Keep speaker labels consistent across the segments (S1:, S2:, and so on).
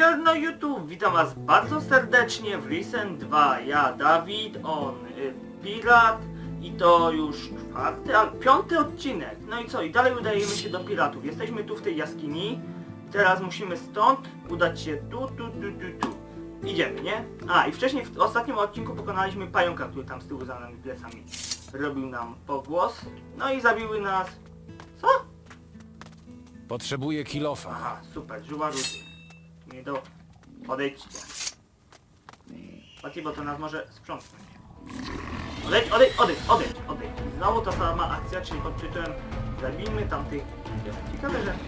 S1: Siemanko YouTube, witam was bardzo serdecznie w Risen 2. Ja Dawid, on Pirat i to już piąty odcinek. No i co? I dalej udajemy się do piratów. Jesteśmy tu w tej jaskini. Teraz musimy stąd udać się tu. Idziemy, nie? A i wcześniej w ostatnim odcinku pokonaliśmy pająka, który tam z tyłu za nami plecami robił nam pogłos. No i zabiły nas... Co?
S2: Potrzebuję kilofa.
S1: Aha, super, żyła rudy. Nie do... Odejdźcie. Patrzcie, bo to nas może sprzątnąć. Odejdź. Znowu ta sama akcja, czyli pod tytułem zabijmy tamtych... Ciekawe, że...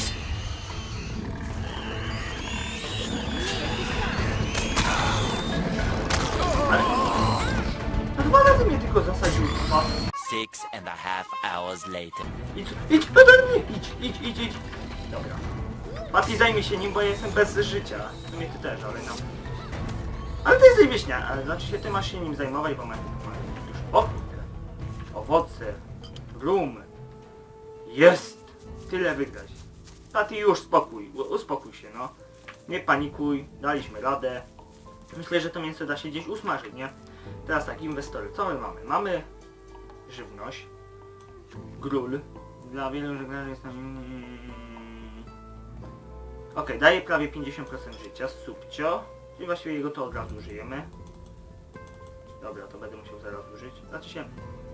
S1: Ale... To 2 razy mnie tylko zasadził. O.
S3: 6.5 hours later.
S1: Idź. Dobra. Mati, zajmij się nim, bo ja jestem bez życia. W sumie ty też, ale no. Ale ty jesteś wieśnia, znaczy się ty masz się nim zajmować, bo masz już owoce, rum. Jest! Tyle wygrać. Mati, już uspokój się, no. Nie panikuj, daliśmy radę. Myślę, że to mięso da się gdzieś usmażyć, nie? Teraz tak, inwestory, co my mamy? Mamy żywność, gról. Dla wielu żeglarzy jest tam... Okej, daje prawie 50% życia, subcio. Czyli właściwie jego to od razu użyjemy. Dobra, to będę musiał zaraz użyć. Znaczy się...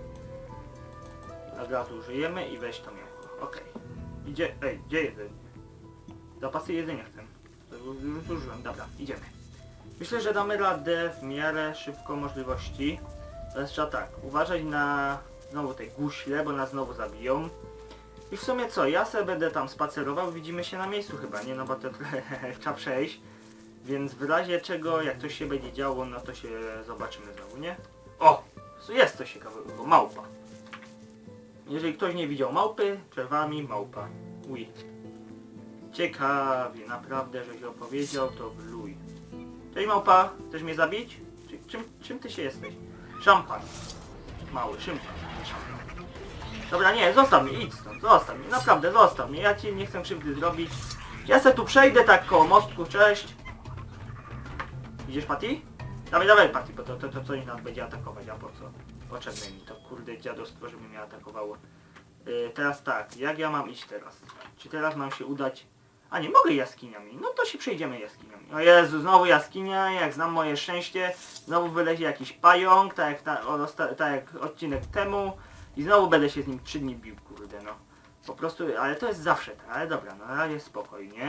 S1: Od razu użyjemy i weź to mięcho. Okej. Gdzie jedzenie? Zapasy jedzenia chcę. To już użyłem, dobra, idziemy. Myślę, że damy radę w miarę szybko możliwości. Teraz trzeba tak, uważać na znowu te guśle, bo nas znowu zabiją. I w sumie co, ja sobie będę tam spacerował, widzimy się na miejscu chyba, nie? No bo to trzeba przejść. Więc w razie czego, jak coś się będzie działo, no to się zobaczymy znowu, nie? O! Jest coś ciekawego, małpa. Jeżeli ktoś nie widział małpy, przed wami małpa. Uj. Ciekawie, naprawdę, żeś opowiedział, to bluj. Cześć małpa, chcesz mnie zabić? Czym ty się jesteś? Szampan. Mały, szympan. Dobra, nie, zostaw mnie, idź stąd, zostaw mnie, naprawdę, zostaw mnie, ja ci nie chcę krzywdy zrobić. Ja se tu przejdę tak koło mostku, cześć. Idziesz, Patty? Dawaj, Patty, bo to coś nas będzie atakować, a po co? Potrzebne mi to, kurde, dziadostwo, żeby mnie atakowało. Teraz tak, jak ja mam iść teraz? Czy teraz mam się udać... A nie, mogę jaskiniami, no to się przejdziemy jaskiniami. O Jezu, znowu jaskinia, jak znam moje szczęście, znowu wylezie jakiś pająk, tak jak odcinek temu. I znowu będę się z nim 3 dni bił, kurde, no. Po prostu, ale to jest zawsze tak, ale dobra, no na razie spokojnie.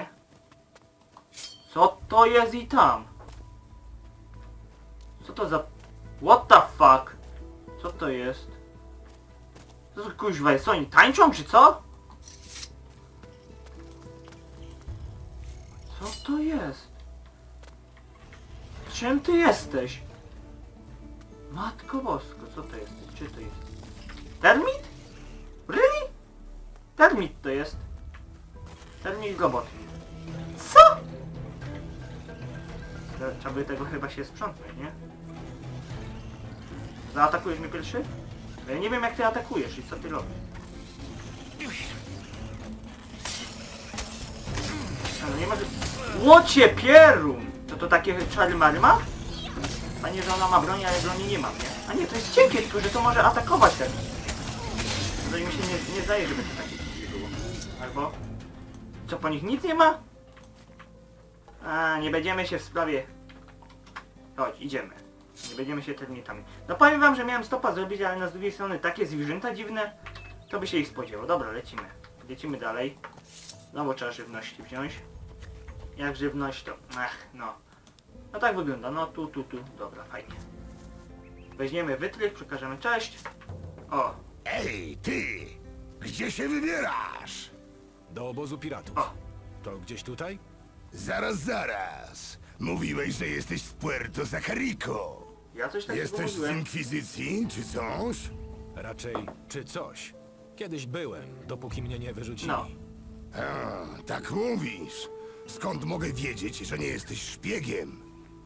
S1: Co to jest i tam? Co to za... What the fuck? Co to jest? Co to kuźwa jest? Co oni tańczą, czy co? Co to jest? Czym ty jesteś? Matko Bosko, co to jest? Czy to jest? Termit? Really? Termit to jest. Termit robot. Co? Trzeba by tego chyba się sprzątnąć, nie? Zaatakujesz mnie pierwszy? No ja nie wiem jak ty atakujesz i co ty robisz. No nie może... Łocie pierun! To takie czary-mary ma? Panie, że ona ma broń, ale broni nie mam, nie? A nie, to jest cienkie, tylko że to może atakować też. To mi się nie zdaje, żeby to takie było. Albo... Co, po nich nic nie ma? A, nie będziemy się w sprawie... Chodź, idziemy. Nie będziemy się termitami. No powiem wam, że miałem stopa zrobić, ale na z drugiej strony takie zwierzęta dziwne, to by się ich spodziewało. Dobra, lecimy. Lecimy dalej. Znowu trzeba żywności wziąć. Jak żywność to... no. No tak wygląda, no tu. Dobra, fajnie. Weźmiemy wytrych, przekażemy cześć. O.
S4: Ej, ty! Gdzie się wybierasz?
S2: Do obozu piratów.
S1: O.
S2: To gdzieś tutaj?
S4: Zaraz. Mówiłeś, że jesteś z Puerto Sacarico.
S1: Ja coś takiego
S4: Jesteś z
S1: mówiłem.
S4: Inkwizycji, czy coś?
S2: Raczej czy coś. Kiedyś byłem, dopóki mnie nie wyrzucili.
S1: No.
S4: A, tak mówisz. Skąd mogę wiedzieć, że nie jesteś szpiegiem?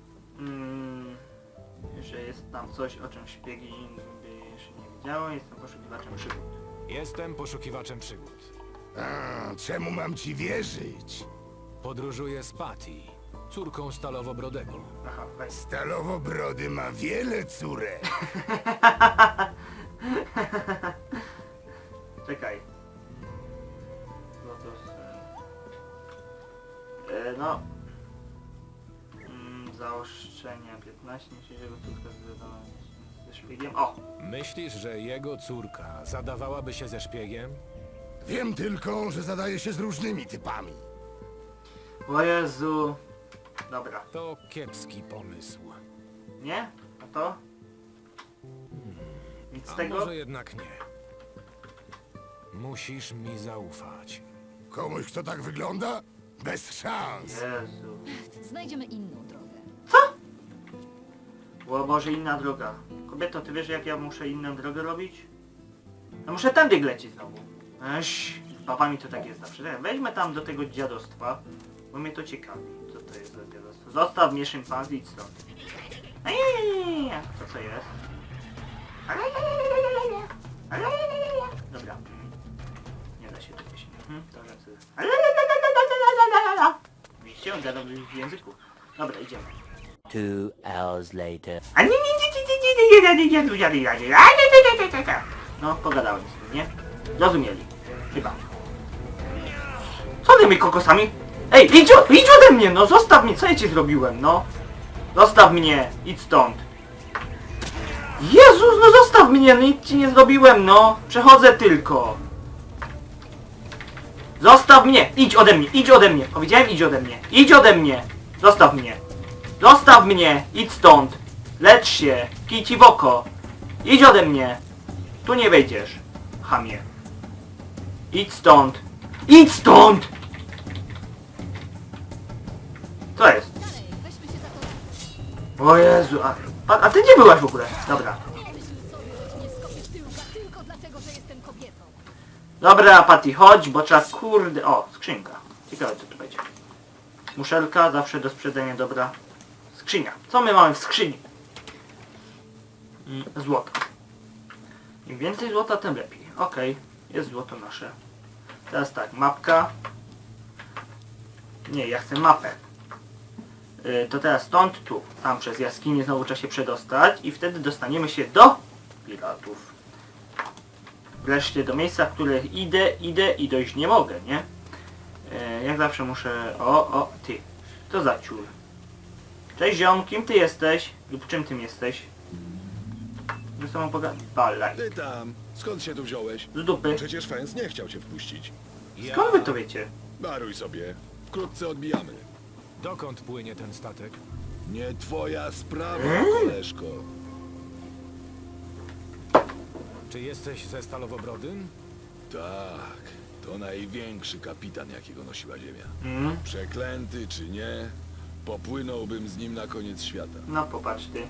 S1: Że jest tam coś, o czym szpiegi by jeszcze nie wiedziały. Jestem poszukiwaczem przygód.
S2: Jestem poszukiwaczem przygód.
S4: A, czemu mam ci wierzyć?
S2: Podróżuję z Patty. córką Stalowobrodego.
S1: Aha, weź.
S4: Stalowobrody ma wiele córek.
S1: Czekaj. Lotos. No. Zaoszczenia 15, jego córka związana ze szpiegiem. O!
S2: Myślisz, że jego córka zadawałaby się ze szpiegiem?
S4: Wiem tylko, że zadaje się z różnymi typami.
S1: O Jezu. Dobra.
S2: To kiepski pomysł.
S1: Nie? A to? Nic z
S2: A
S1: tego?
S2: może jednak nie. Musisz mi zaufać.
S4: Komuś, kto tak wygląda? Bez szans.
S1: Jezu.
S5: Znajdziemy inną drogę.
S1: O Boże, inna droga. Kobieto, ty wiesz jak ja muszę inną drogę robić? Ja muszę tędy lecieć znowu. Eś, z babami to tak jest zawsze. Weźmy tam do tego dziadostwa, bo mnie to ciekawi. Co to jest za dziadostwo? Zostaw mnie szympanz, idź stąd. To co jest? Dobra. Nie da się czegoś. To rzeczy. Widzicie, on gada w języku. Dobra, idziemy.
S3: 2 hours later.
S1: No, pogadałem z tym, nie? Zrozumieli. Chyba. Co tymi kokosami? Ej, idź ode mnie, no zostaw mnie, co ja ci zrobiłem, no? Zostaw mnie, idź stąd. Jezus, no zostaw mnie, nic ci nie zrobiłem, no. Przechodzę tylko. Zostaw mnie, idź ode mnie. Powiedziałem, idź ode mnie. Idź ode mnie. Zostaw mnie. Zostaw mnie, idź stąd. Lecz się, kij ci w oko. Idź ode mnie. Tu nie wejdziesz, chamie. Idź stąd. Idź stąd! Co jest?
S5: Dalej, weźmy się za to.
S1: O Jezu, a ty gdzie byłaś w ogóle? Dobra.
S5: Myśl sobie, że ci nie skopię tyłka tylko dlatego, że jestem kobietą.
S1: Dobra, Patty, chodź, bo trzeba kurde... O, skrzynka. Ciekawe co tu będzie. Muszelka, zawsze do sprzedania dobra. Skrzynia. Co my mamy w skrzyni? Złoto. Im więcej złota, tym lepiej. Okej, jest złoto nasze. Teraz tak, mapka. Nie, ja chcę mapę. To teraz stąd, tu. Tam przez jaskinię znowu trzeba się przedostać i wtedy dostaniemy się do piratów. Wreszcie do miejsca, w które idę i dojść nie mogę, nie? Jak zawsze muszę... O, ty. To za ciul. Cześć ziom, kim ty jesteś? Lub czym tym jesteś? Ze sobą pogadać. Balaj.
S6: Ty tam, skąd się tu wziąłeś?
S1: Z dupy.
S6: Przecież Fens nie chciał cię wpuścić.
S1: Skąd wy to wiecie?
S6: Daruj sobie, wkrótce odbijamy.
S2: Dokąd płynie ten statek?
S6: Nie twoja sprawa, koleżko.
S2: Czy jesteś ze Stalowobrodym?
S6: Tak, to największy kapitan, jakiego nosiła ziemia. Przeklęty czy nie, popłynąłbym z nim na koniec świata.
S1: No popatrz ty.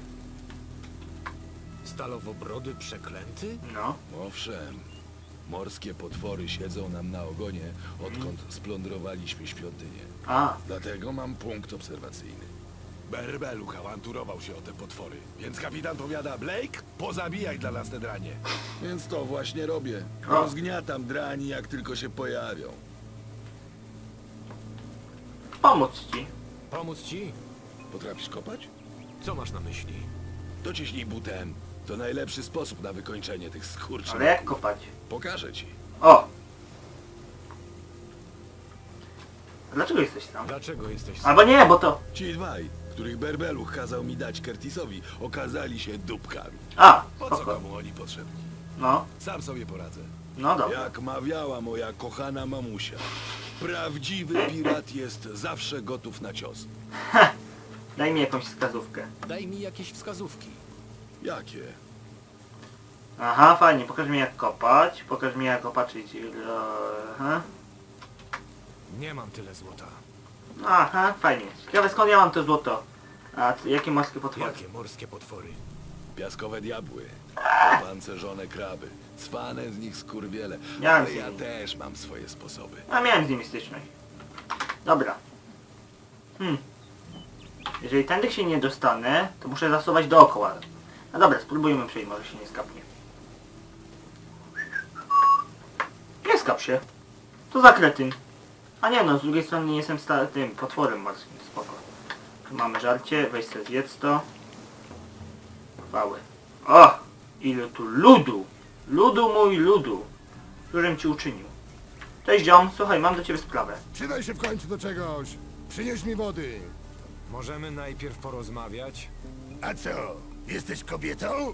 S2: Stalowobrody przeklęty?
S1: No.
S6: Owszem, morskie potwory siedzą nam na ogonie, odkąd splądrowaliśmy świątynię.
S1: A,
S6: Dlatego mam punkt obserwacyjny. Berbeluch awanturował się o te potwory, więc kapitan powiada, Blake, pozabijaj dla nas te dranie. Więc to właśnie robię.
S1: O.
S6: Rozgniatam drani, jak tylko się pojawią.
S1: pomóc ci.
S2: Pomóc ci?
S6: Potrafisz kopać?
S2: Co masz na myśli?
S6: Dociśnij butem. To najlepszy sposób na wykończenie tych skurczy.
S1: Ale jak kopać?
S6: Pokażę ci.
S1: O! Dlaczego jesteś tam?
S2: Dlaczego jesteś...
S1: Albo nie, bo to...
S6: Ci dwaj, których Berbeluch kazał mi dać Curtisowi, okazali się dupkami.
S1: A,
S6: Po co
S1: spoko.
S6: komu oni potrzebni?
S1: No,
S6: Sam sobie poradzę.
S1: no dobra.
S6: Jak mawiała moja kochana mamusia, prawdziwy pirat jest zawsze gotów na cios.
S1: Daj mi jakąś wskazówkę.
S2: Daj mi jakieś wskazówki.
S6: Jakie?
S1: Aha, fajnie, pokaż mi jak kopać. Pokaż mi jak opatrzyć... Aha.
S2: Nie mam tyle złota.
S1: Aha, fajnie. Ciekawe skąd ja mam to złoto. A jakie morskie potwory?
S2: Jakie morskie potwory?
S6: Piaskowe diabły, pancerzone kraby, cwane z nich skurwiele.
S1: Miałem
S6: Ale
S1: z
S6: ja
S1: nimi.
S6: też mam swoje sposoby.
S1: A miałem z nimi styczność. Dobra. Jeżeli tędy się nie dostanę, to muszę zasuwać dookoła. No dobra, spróbujmy przejść, może się nie skapnie. Nie skap się. To za kretyn. A nie no, z drugiej strony nie jestem tym potworem morskim, spoko. Tu mamy żarcie, weź sobie zjedz to. Chwały. O! Ile tu ludu! Ludu mój ludu! Którym ci uczynił. Cześć ziom, słuchaj, mam do ciebie sprawę.
S4: Przydaj się w końcu do czegoś. Przynieś mi wody.
S2: Możemy najpierw porozmawiać?
S4: A co? Jesteś kobietą?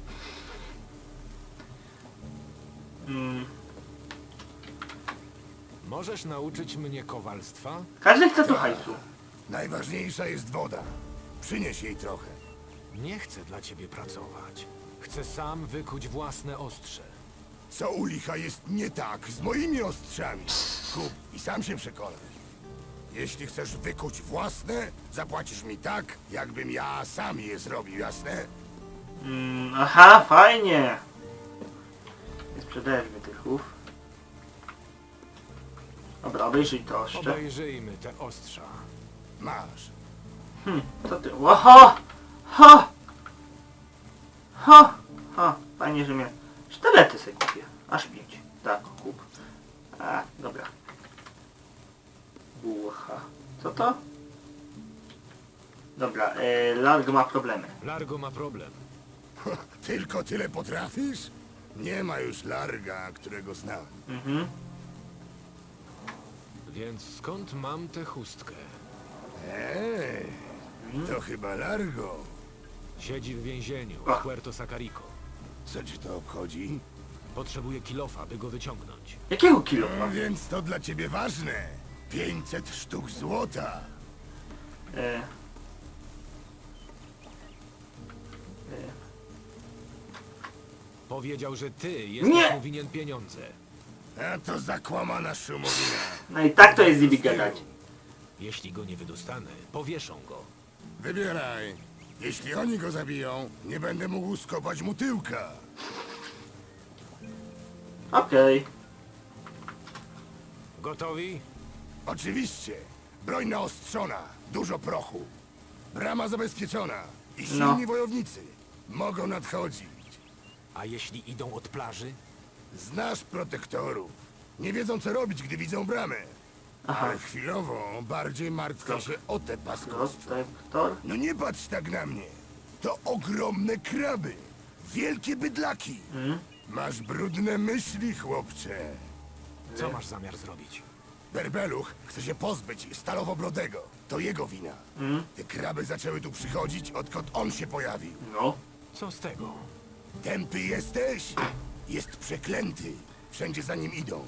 S2: Możesz nauczyć mnie kowalstwa?
S1: Każdy chce tu hajsu.
S4: Najważniejsza jest woda. Przynieś jej trochę.
S2: Nie chcę dla ciebie pracować. Chcę sam wykuć własne ostrze.
S4: Co u licha jest nie tak z moimi ostrzami? Kup i sam się przekonasz. Jeśli chcesz wykuć własne, zapłacisz mi tak, jakbym ja sam je zrobił, jasne?
S1: Aha, fajnie. Nie sprzedajesz mi tych ów. Dobra, obejrzyj to jeszcze.
S2: Obejrzyjmy te ostrza.
S4: Masz.
S1: Co ty? Oho! Ho! Ho! Ho! Fajnie, że mnie... Sztylety sobie kupię. Aż 5. Tak, kup. A, dobra. Bucha. Co to? Dobra, Largo ma problemy.
S2: Largo ma problem.
S4: Tylko tyle potrafisz? Nie ma już Larga, którego znam.
S1: Mhm.
S2: Więc skąd mam tę chustkę?
S4: To chyba Largo.
S2: Siedzi w więzieniu
S1: Ach.
S2: w Puerto Sacarico.
S4: Co ci to obchodzi?
S2: Potrzebuję kilofa, by go wyciągnąć.
S1: Jakiego kilo?
S4: No więc to dla ciebie ważne. 500 sztuk złota.
S1: E,
S2: Powiedział, że ty jesteś
S1: Nie!
S2: mu winien pieniądze.
S4: A to zakłamana szumowina.
S1: no i tak to jest z nimi gadać.
S2: Jeśli go nie wydostanę, powieszą go.
S4: Wybieraj. Jeśli oni go zabiją, nie będę mógł skopać mu tyłka.
S1: Okej.
S2: Gotowi?
S4: Oczywiście. Broń naostrzona, dużo prochu. Brama zabezpieczona i silni
S1: No.
S4: wojownicy. Mogą nadchodzić.
S2: A jeśli idą od plaży?
S4: Znasz protektorów. Nie wiedzą co robić, gdy widzą bramę.
S1: Aha.
S4: Ale chwilowo bardziej martwię się o te paskostwa.
S1: Protektor?
S4: No nie patrz tak na mnie. To ogromne kraby. Wielkie bydlaki. Masz brudne myśli, chłopcze.
S2: Co masz zamiar zrobić?
S4: Berbeluch chce się pozbyć Stalowobrodego. To jego wina. Te kraby zaczęły tu przychodzić, odkąd on się pojawił.
S1: No.
S2: Co z tego?
S4: Tępy jesteś? Jest przeklęty. Wszędzie za nim idą.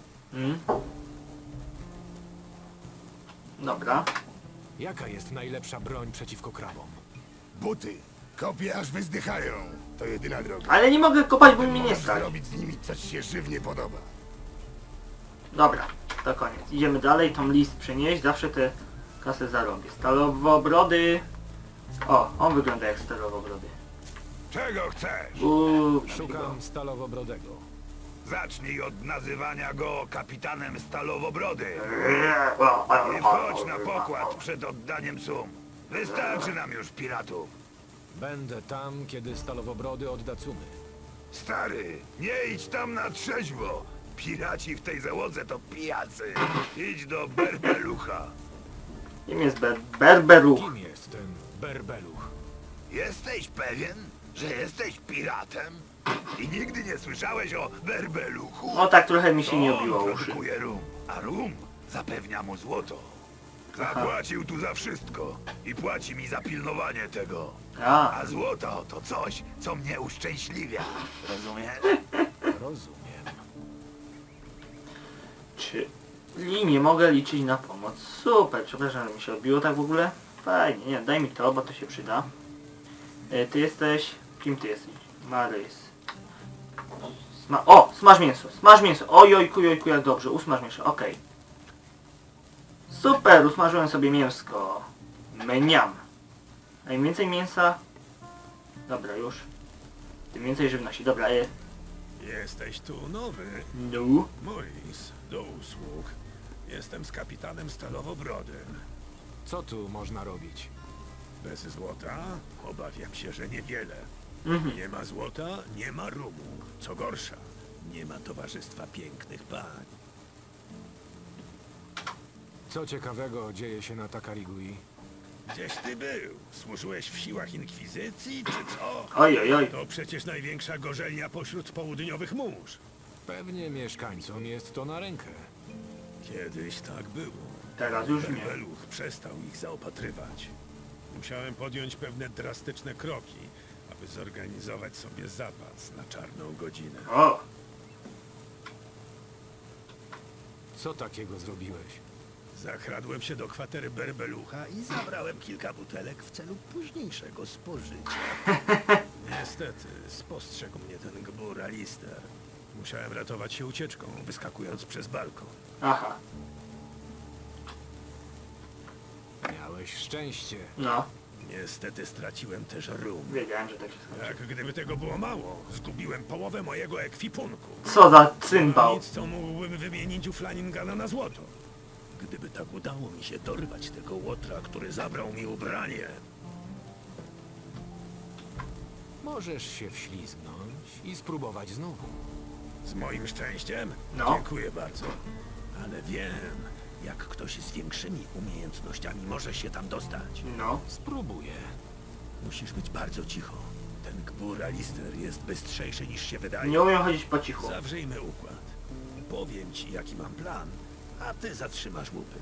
S1: Dobra.
S2: Jaka jest najlepsza broń przeciwko krabom?
S4: Buty. Kopie aż wyzdychają. To jedyna droga.
S1: Ale nie mogę kopać, bo mi nie
S4: Możesz
S1: stać.
S4: zrobić z nimi coś się żywnie podoba.
S1: Dobra, to koniec. Idziemy dalej, tą list przenieść, zawsze te kasę zarobię. Stalowobrody. O, on wygląda jak stalowobrody.
S7: Czego chcesz?
S2: Szukam Stalowobrodego.
S7: Zacznij od nazywania go kapitanem Stalowobrody. I wchodź na pokład przed oddaniem sum. Wystarczy nam już piratów.
S2: Będę tam, kiedy Stalowobrody odda cumy.
S7: Stary, nie idź tam na trzeźwo. Piraci w tej załodze to pijacy. Idź do Berbelucha.
S1: Kim jest Berberuch?
S2: Kim jest ten Berbeluch?
S7: Jesteś pewien, że jesteś piratem? I nigdy nie słyszałeś o Berbeluchu?
S1: O, tak trochę mi się nie
S7: On
S1: obiło uszy.
S7: produkuje rum, a rum zapewnia mu złoto. Zapłacił tu za wszystko i płaci mi za pilnowanie tego.
S1: A,
S7: A złoto to coś, co mnie uszczęśliwia. Rozumiesz?
S2: Rozumiem.
S1: czyli nie mogę liczyć na pomoc. Super, przepraszam, że mi się odbiło tak w ogóle. Fajnie, nie, daj mi to, bo to się przyda. Ty jesteś... Kim ty jesteś? Marys. Smaż mięso, smaż mięso. Ojojku, jojku, jak dobrze, usmaż mięso, okej. Super, usmażyłem sobie mięsko. Meniam. A im więcej mięsa... Dobra, już. Tym więcej żywności, dobra,
S6: Jesteś tu nowy.
S1: no.
S6: Morris, do usług. Jestem z kapitanem Stalowobrodym.
S2: Co tu można robić?
S6: Bez złota? Obawiam się, że niewiele. Nie ma złota, nie ma rumu. Co gorsza, nie ma towarzystwa pięknych pań.
S2: Co ciekawego dzieje się na Takarigui?
S7: Gdzieś ty był? Służyłeś w siłach inkwizycji, czy co?
S1: Oj, oj, oj.
S7: To przecież największa gorzelnia pośród południowych mórz.
S2: Pewnie mieszkańcom jest to na rękę.
S7: Kiedyś tak było.
S1: Teraz już nie.
S7: Berbeluch przestał ich zaopatrywać. Musiałem podjąć pewne drastyczne kroki, aby zorganizować sobie zapas na czarną godzinę.
S1: O,
S2: Co takiego zrobiłeś?
S7: Zakradłem się do kwatery Berbelucha i zabrałem kilka butelek w celu późniejszego spożycia. Niestety, spostrzegł mnie ten gbur Alister. Musiałem ratować się ucieczką, wyskakując przez balkon.
S1: aha.
S2: Miałeś szczęście.
S1: No,
S7: Niestety straciłem też rum.
S1: wiedziałem, że tak się skończy.
S7: Jak gdyby tego było mało, zgubiłem połowę mojego ekwipunku.
S1: Co za cymbał.
S7: Nic, co mógłbym wymienić u Flaningana na złoto. Gdyby tak udało mi się dorwać tego łotra, który zabrał mi ubranie.
S2: Możesz się wślizgnąć i spróbować znowu.
S7: Z moim szczęściem?
S1: No.
S7: Dziękuję bardzo. Ale wiem, jak ktoś z większymi umiejętnościami może się tam dostać.
S1: No,
S2: Spróbuję.
S7: Musisz być bardzo cicho. Ten gbur Alister jest bystrzejszy niż się wydaje.
S1: nie umiem chodzić po cichu.
S7: Zawrzyjmy układ. Powiem ci, jaki mam plan, a ty zatrzymasz łupy.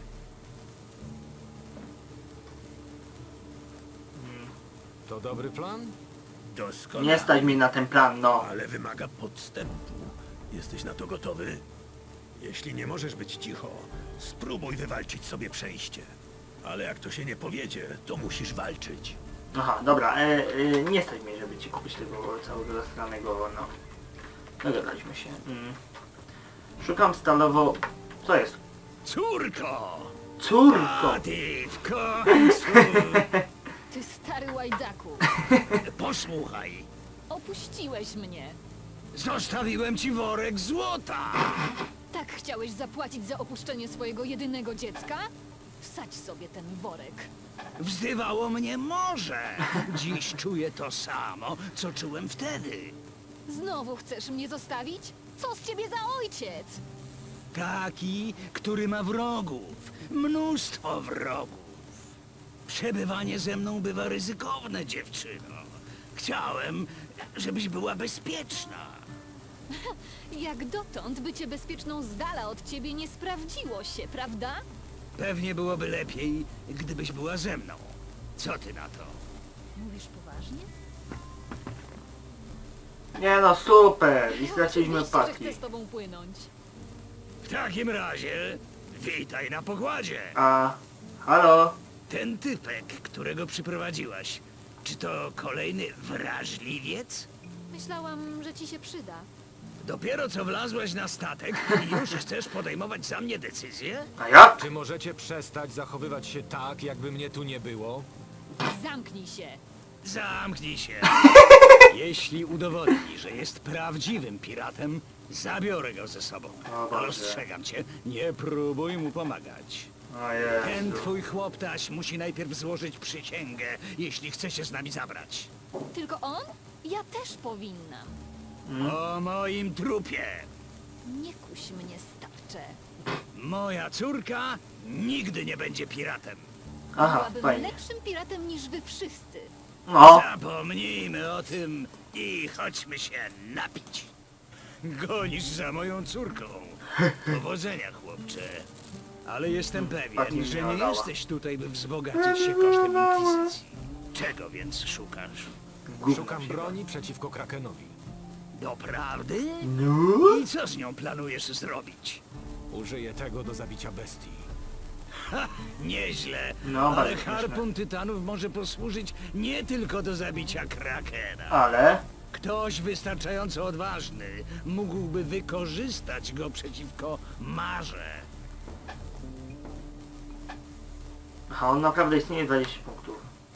S2: To dobry plan?
S7: Doskonale.
S1: Nie stać mi na ten plan, no.
S7: Ale wymaga podstępu. Jesteś na to gotowy? Jeśli nie możesz być cicho, spróbuj wywalczyć sobie przejście. Ale jak to się nie powiedzie, to musisz walczyć.
S1: Aha, dobra, nie stać mi, żeby ci kupić tego całego zastranego, no. Dogadaliśmy się. Szukam stalowo... Co jest?
S7: Córko!
S1: Córko!
S7: A ty w końcu!
S5: Ty stary łajdaku.
S7: Posłuchaj,
S5: Opuściłeś mnie.
S7: zostawiłem ci worek złota!
S5: Tak chciałeś zapłacić za opuszczenie swojego jedynego dziecka? Wsadź sobie ten worek.
S8: Wzywało mnie morze. Dziś czuję to samo, co czułem wtedy.
S5: Znowu chcesz mnie zostawić? Co z ciebie za ojciec?
S8: Taki, który ma wrogów. Mnóstwo wrogów. Przebywanie ze mną bywa ryzykowne, dziewczyno. Chciałem, żebyś była bezpieczna.
S5: Jak dotąd bycie bezpieczną z dala od ciebie nie sprawdziło się, prawda?
S8: Pewnie byłoby lepiej, gdybyś była ze mną. Co ty na to?
S5: Mówisz poważnie?
S1: Nie no, super! I
S5: Ja
S1: straciliśmy
S5: oczywiście, że
S1: Patty.
S5: chcę z tobą płynąć.
S8: W takim razie, witaj na pokładzie.
S1: A... Halo?
S8: Ten typek, którego przyprowadziłaś, czy to kolejny wrażliwiec?
S5: Myślałam, że ci się przyda.
S8: Dopiero co wlazłeś na statek i już chcesz podejmować za mnie decyzję?
S1: A jak?
S2: Czy możecie przestać zachowywać się tak, jakby mnie tu nie było?
S5: Zamknij się.
S8: Zamknij się. Jeśli udowodni, że jest prawdziwym piratem, zabiorę go ze sobą.
S1: O Boże.
S8: Ostrzegam cię, nie próbuj mu pomagać.
S1: O
S8: Ten
S1: Jezu.
S8: twój chłoptaś musi najpierw złożyć przysięgę, jeśli chce się z nami zabrać.
S5: Tylko on? Ja też powinnam.
S8: O moim trupie.
S5: Nie kuś mnie, starcze.
S8: Moja córka nigdy nie będzie piratem.
S1: Aha,
S5: Byłabym
S1: fajnie.
S5: lepszym piratem niż wy wszyscy.
S1: No,
S8: Zapomnijmy o tym i chodźmy się napić. Gonisz za moją córką. Powodzenia, chłopcze. Ale jestem
S1: Patty
S8: pewien,
S1: mnie
S8: że nie
S1: oddała.
S8: jesteś tutaj, by wzbogacić się kosztem inkwizycji. Czego więc szukasz?
S1: gówno
S2: Szukam
S1: się
S2: broni przeciwko Krakenowi.
S8: Doprawdy?
S1: No?
S8: I co z nią planujesz zrobić?
S2: Użyję tego do zabicia bestii.
S8: Ha, nieźle,
S1: No,
S8: ale
S1: bardzo śmieszne.
S8: harpun tytanów może posłużyć nie tylko do zabicia krakena.
S1: Ale...
S8: Ktoś wystarczająco odważny mógłby wykorzystać go przeciwko Marze.
S1: Aha, on naprawdę istnieje 20 punktów.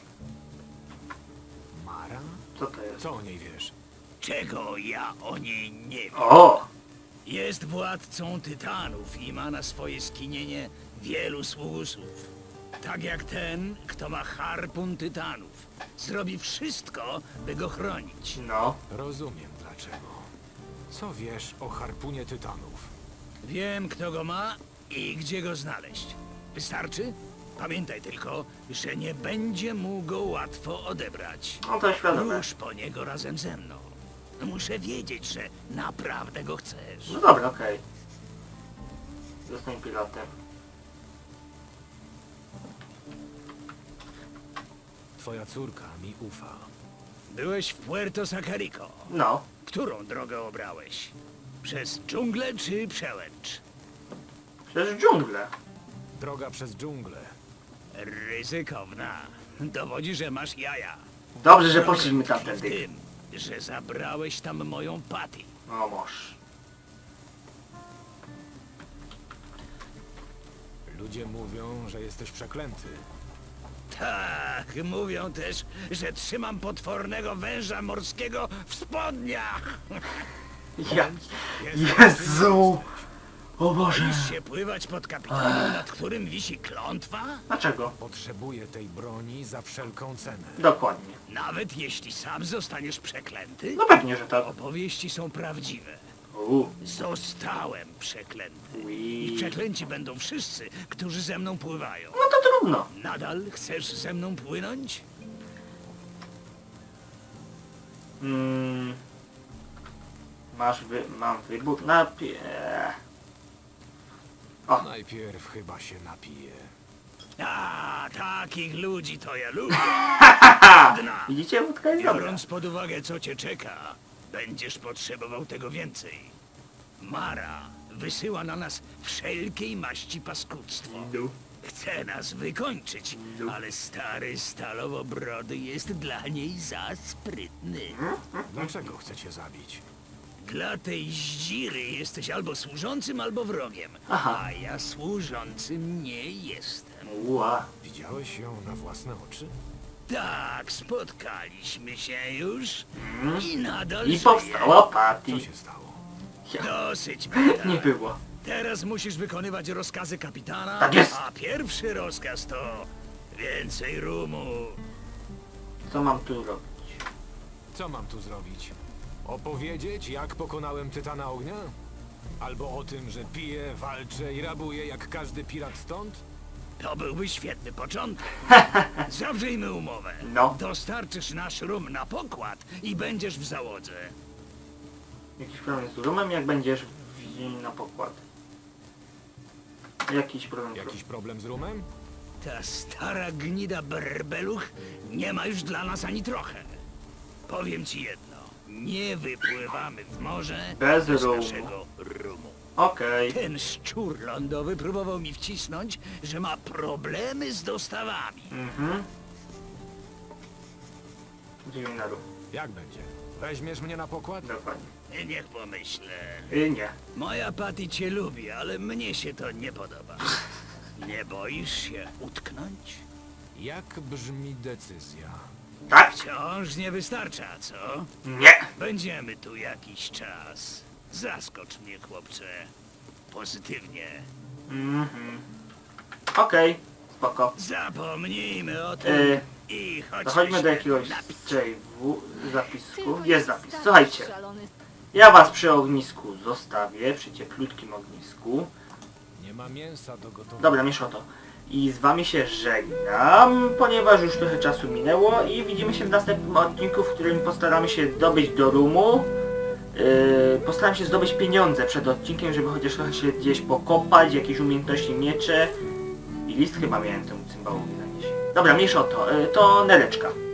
S2: Mara?
S1: Co to jest?
S2: Co o niej wiesz?
S8: Czego ja o niej nie wiem.
S1: O!
S8: Jest władcą tytanów i ma na swoje skinienie wielu sługusów. Tak jak ten, kto ma harpun tytanów. Zrobi wszystko, by go chronić.
S1: No.
S2: Rozumiem dlaczego. Co wiesz o harpunie tytanów?
S8: Wiem, kto go ma i gdzie go znaleźć. Wystarczy? Pamiętaj tylko, że nie będzie mu go łatwo odebrać.
S1: No to świadome.
S8: Rusz po niego razem ze mną. Muszę wiedzieć, że naprawdę go chcesz.
S1: No dobra, okej. Zostań pilotem.
S2: Twoja córka mi ufa.
S8: Byłeś w Puerto Sacarico.
S1: No.
S8: Którą drogę obrałeś? Przez dżunglę czy przełęcz?
S1: Przecież dżunglę.
S2: Droga przez dżunglę.
S8: Ryzykowna. Dowodzi, że masz jaja.
S1: Dobrze, że poszliśmy
S8: Tkwi w
S1: tamtędy.
S8: tym, że zabrałeś tam moją Patty.
S1: No moż.
S2: Ludzie mówią, że jesteś przeklęty.
S8: Tak, mówią też, że trzymam potwornego węża morskiego w spodniach.
S1: Ja... Jezu! O Boże!
S8: Boisz się pływać pod kapitanem, nad którym wisi klątwa?
S1: Dlaczego?
S2: Potrzebuję tej broni za wszelką cenę.
S1: Dokładnie.
S8: Nawet jeśli sam zostaniesz przeklęty?
S1: No pewnie, że tak.
S8: Opowieści są prawdziwe.
S1: Uuu.
S8: Zostałem przeklęty. I
S1: Ui.
S8: przeklęci będą wszyscy, którzy ze mną pływają.
S1: No to trudno.
S8: Nadal chcesz ze mną płynąć?
S1: Mm. Mam wybór. O,
S2: Najpierw chyba się napiję.
S8: A, takich ludzi to ja lubię. Dna.
S1: widzicie? Wódka jest dobra.
S8: Biorąc pod uwagę, co cię czeka, będziesz potrzebował tego więcej. Mara wysyła na nas wszelkiej maści paskudztwo.
S1: No.
S8: Chce nas wykończyć, ale stary stalowo-brody jest dla niej za sprytny.
S2: Dlaczego chcecie zabić?
S8: Dla tej zdziry jesteś albo służącym, albo wrogiem.
S1: Aha.
S8: A ja służącym nie jestem.
S1: Ua.
S2: Widziałeś ją na własne oczy?
S8: Tak, spotkaliśmy się już i nadal
S1: I
S8: żyję.
S1: powstała Patty.
S2: Co się stało?
S8: Dosyć, Beda.
S1: Nie było.
S8: Teraz musisz wykonywać rozkazy kapitana,
S1: Tak jest.
S8: a pierwszy rozkaz to więcej rumu.
S1: Co mam tu robić?
S2: Co mam tu zrobić? Opowiedzieć, jak pokonałem Tytana Ognia? Albo o tym, że piję, walczę i rabuję jak każdy pirat stąd?
S8: To byłby świetny początek. Zawrzyjmy umowę.
S1: No.
S8: Dostarczysz nasz rum na pokład i będziesz w załodze.
S1: Jakiś problem z rumem, jak będziesz na pokład? Jakiś problem.
S2: Jakiś problem z rumem?
S8: Ta stara gnida berbeluch nie ma już dla nas ani trochę. Powiem ci jedno. Nie wypływamy w morze
S1: Bez
S8: bez
S1: rumu.
S8: naszego rumu.
S1: Okej.
S8: Ten szczur lądowy próbował mi wcisnąć, że ma problemy z dostawami.
S1: Mhm. Idziemy na rum.
S2: Jak będzie? Weźmiesz mnie na pokład?
S1: Dokładnie.
S8: Niech pomyślę.
S1: Nie.
S8: Moja Patty cię lubi, ale mnie się to nie podoba. Nie boisz się utknąć?
S2: Jak brzmi decyzja?
S1: Tak?
S8: Wciąż nie wystarcza, co?
S1: Nie.
S8: Będziemy tu jakiś czas. Zaskocz mnie, chłopcze. Pozytywnie.
S1: Mhm. Okej. Spoko.
S8: Zapomnijmy o tym i chodźmy
S1: Dochodźmy
S8: się
S1: do jakiegoś
S8: napić.
S1: zapisku.
S5: Tylko
S1: Jest zapis.
S5: taki
S1: Słuchajcie.
S5: szalony.
S1: Ja was przy ognisku zostawię, przy cieplutkim ognisku.
S2: Nie ma mięsa do gotowania.
S1: Dobra, miesza to. I z wami się żegnam, ponieważ już trochę czasu minęło i widzimy się w następnym odcinku, w którym postaramy się dobyć do rumu. Postaram się zdobyć pieniądze przed odcinkiem, żeby chociaż trochę się gdzieś pokopać, jakieś umiejętności miecze. I list chyba miałem temu cymbałowi zanieść. Dobra, mniejsza o to. To nereczka.